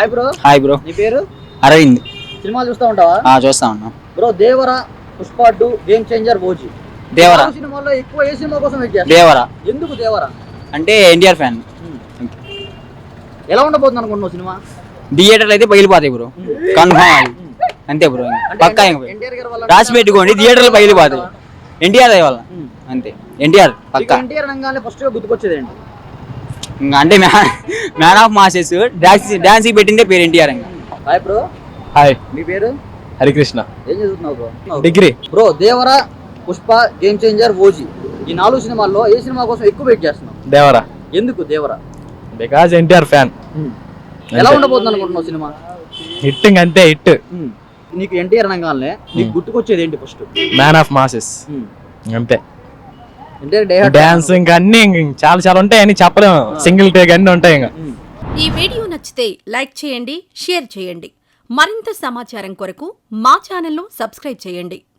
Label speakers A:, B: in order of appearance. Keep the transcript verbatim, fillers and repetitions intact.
A: Hi bro.
B: Hi bro.
A: నీ పేరు?
B: అరవింద్.
A: సినిమాలు చూస్తా ఉంటావా?
B: ఆ చూస్తా ఉన్నా
A: bro. Devara, Pushpa two, game changer, OG.
B: Devara
A: సినిమాల్లో ఎక్కువ ఏ సినిమా కోసం వెయిట్ చేస్తా?
B: దేవరా.
A: ఎందుకు దేవరా?
B: అంటే ఎన్టీఆర్ ఫ్యాన్.
A: ఎలా ఉండబోతుంది అనుకుంటున్నావు సినిమా?
B: థియేటర్లు అయితే పగిలిపోతాయి బ్రో, కన్ఫర్మ్. అంతే బ్రో, పక్కా. రాసి పెట్టుకోండి, థియేటర్లు పగిలిపోతాయి. ఎన్టీఆర్ వల్ల అంతే. ఎన్టీఆర్ పక్కా.
A: ఎన్టీఆర్ రంగానే ఫస్ట్ గా గుర్తుకొచ్చేది ఏంటి?
B: ఇంకా అంటే man of masses, dance dance పెట్టిందే పేరు ఎన్టీఆర్.
A: Hi bro.
C: హాయ్.
A: మీ పేరు?
C: హరికృష్ణ.
A: ఏం చదువుతున్నావు bro?
C: Degree.
A: Bro, Devara, Pushpa, game changer, OG ఈ నాలుగు సినిమాల్లో ఏ సినిమా కోసం ఎక్కువ వెయిట్ చేస్తున్నావు?
C: దేవరా.
A: ఎందుకు దేవరా?
C: Because NTR fan.
A: ఎలా ఉండబోతుంది అనుకుంటున్నావు సినిమా?
C: హిట్టింగ్ అంతే, హిట్.
A: నీకు ఎన్టీఆర్ రంగానే నీకు గుర్తుకొచ్చేది ఏంటి ఫస్ట్?
C: మ్యాన్ ఆఫ్ మాసెస్ అంతే.
A: ఎన్టీఆర్
C: డాన్స్ ఇంకా అన్ని చాలా చాలా ఉంటాయి, అని చెప్పలేము. సింగిల్ టేక్ అన్ని ఉంటాయి. ఇంకా
D: ఈ వీడియో నచ్చితే లైక్ చేయండి, షేర్ చేయండి. మరింత సమాచారం కొరకు మా ఛానల్ను సబ్స్క్రైబ్ చేయండి.